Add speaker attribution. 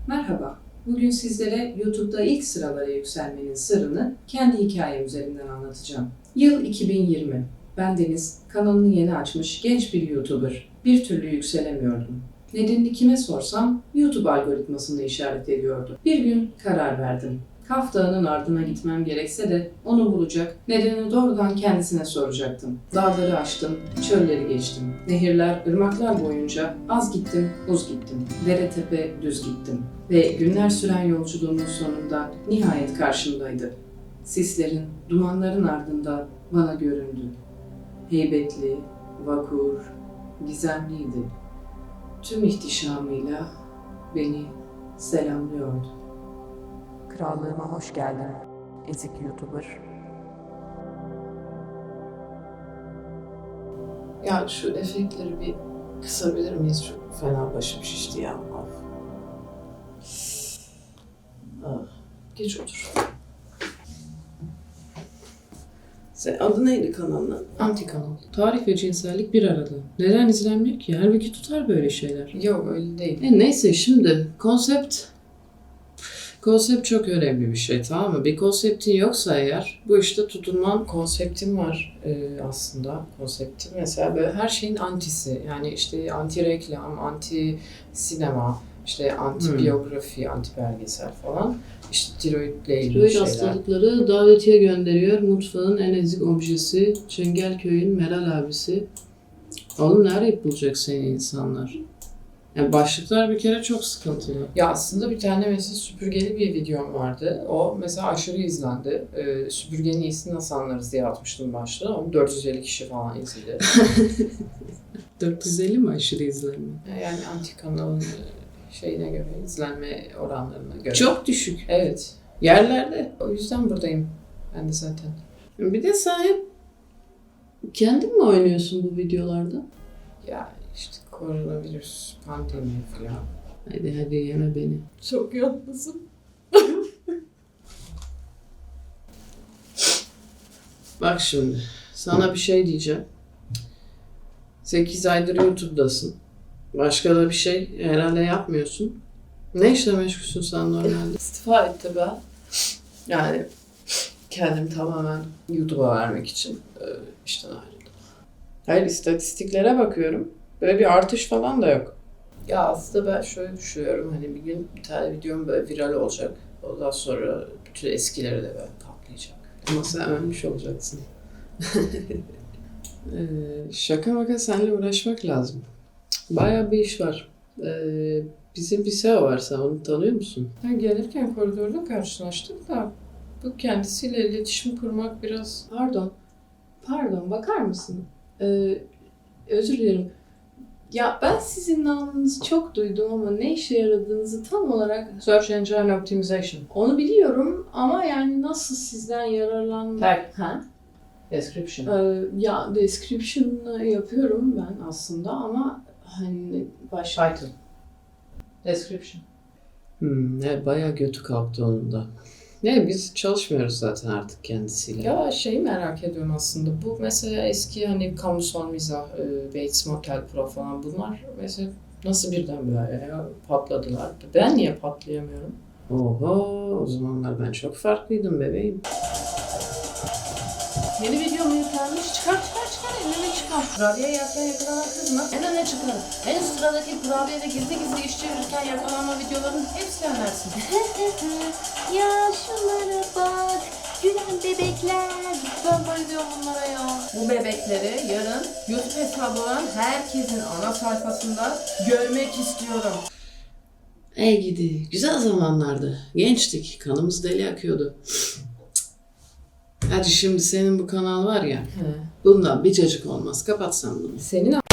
Speaker 1: Merhaba, bugün sizlere YouTube'da ilk sıralara yükselmenin sırrını kendi hikayem üzerinden anlatacağım. Yıl 2020. Bendeniz kanalını yeni açmış genç bir YouTuber. Bir türlü yükselemiyordum. Nedenini kime sorsam YouTube algoritmasını işaret ediyordu. Bir gün karar verdim. Kaf Dağı'nın ardına gitmem gerekse de onu bulacak, nedenini doğrudan kendisine soracaktım. Dağları aştım, çölleri geçtim. Nehirler, ırmaklar boyunca az gittim, uz gittim. Dere tepe düz gittim. Ve günler süren yolculuğumun sonunda nihayet karşımdaydı. Sislerin, dumanların ardında bana göründü. Heybetli, vakur, gizemliydi. Tüm ihtişamıyla beni selamlıyordu. Krallığıma hoş geldin, ezik YouTuber.
Speaker 2: Ya şu efektleri bir kısabilir miyiz? Çok fena başım şişti ya. Of. Ah, geç otur. Sen adı neydi kanalın?
Speaker 3: Anti kanal. Tarih ve cinsellik bir arada. Neden izlenmiyor ki? Halbuki tutar böyle şeyler.
Speaker 2: Yok öyle değil.
Speaker 3: Neyse şimdi konsept çok önemli bir şey, tamam mı? Bir konseptin yoksa eğer bu işte tutunman.
Speaker 2: Konseptim var aslında. Konseptim mesela böyle her şeyin antisi. Yani işte anti reklam, anti sinema, işte anti biyografi, anti belgesel falan. İşte tiroidle ilgili
Speaker 3: Tiroid
Speaker 2: şeyler.
Speaker 3: hastalıkları davetiye gönderiyor. Mutfağın en ezik objesi. Çengelköy'ün Meral abisi. Oğlum nerede bulacak seni insanlar? Yani başlıklar bir kere çok sıkıntılı.
Speaker 2: Ya aslında bir tane mesela süpürgeli bir videom vardı. O mesela aşırı izlendi. Süpürgenin iyisini nasıl anlarız diye atmıştım başta. Onu 450 kişi falan izledi.
Speaker 3: 450 mi aşırı izlenme?
Speaker 2: Yani anti kanalın şeyine göre, izlenme oranlarına göre.
Speaker 3: Çok düşük.
Speaker 2: Evet. Yerlerde. O yüzden buradayım. Ben de zaten.
Speaker 3: Bir de sen hep kendin mi oynuyorsun bu videolarda?
Speaker 2: Ya işte koronavirüs, pandemi falan.
Speaker 3: Hadi yeme beni.
Speaker 2: Çok yalnızım.
Speaker 3: Bak şimdi sana bir şey diyeceğim. 8 aydır YouTube'dasın. Başka da bir şey herhalde yapmıyorsun. Ne işle meşgulsün sen normalde?
Speaker 2: İstifa etti ben. Yani kendimi tamamen YouTube'a vermek için işten ayrıldım. Hayır, istatistiklere bakıyorum. Böyle bir artış falan da yok. Ya aslında ben şöyle düşünüyorum. Hani bir gün bir tane videom böyle viral olacak. Ondan sonra bütün eskileri de böyle patlayacak.
Speaker 3: Ama sen ölmüş olacaksın. Şaka maka seninle uğraşmak lazım. Bayağı bir iş var. Bizim bir SEO var, sen onu tanıyor musun?
Speaker 2: Ben gelirken koridorda karşılaştık da bu kendisiyle iletişim kurmak biraz...
Speaker 3: Pardon, bakar mısın? Özür dilerim. Ya ben sizin namınızı çok duydum ama ne işe yaradığınızı tam olarak...
Speaker 2: Search Engine Optimization.
Speaker 3: Onu biliyorum ama yani nasıl sizden yararlanmak...
Speaker 2: Tag.
Speaker 3: Ha?
Speaker 2: Description.
Speaker 3: Ya description yapıyorum ben aslında ama hani başka...
Speaker 2: Title. Description.
Speaker 3: Evet, bayağı götü kalktı onun da. Ne, biz çalışmıyoruz zaten artık kendisiyle.
Speaker 2: Ya şeyi merak ediyorum aslında. Bu mesela eski hani kamusal mizah, Bates Motel Pro falan bunlar mesela nasıl birden böyle ya patladılar? Ben niye patlayamıyorum?
Speaker 3: Oho, o zamanlar ben çok farklıydım bebeğim.
Speaker 2: Yeni video mu yüklenmiş? Çıkar elini çıkar. Kurabiye yerken yakalanan kız mı? En öne çıkar. En sıradaki kurabiyede gizli iş çevirirken yakalanma videolarının hepsini önersin.
Speaker 4: Ya şunlara bak. Gülen bebekler.
Speaker 2: Ben bayılıyorum bunlara ya. Bu bebekleri yarın YouTube hesabı olan herkesin ana sayfasında görmek istiyorum.
Speaker 3: Ey gidi, güzel zamanlardı. Gençtik, kanımız deli akıyordu. Hadi şimdi senin bu kanal var ya, bundan bir cacık olmaz. Kapatsan bunu.
Speaker 2: Senin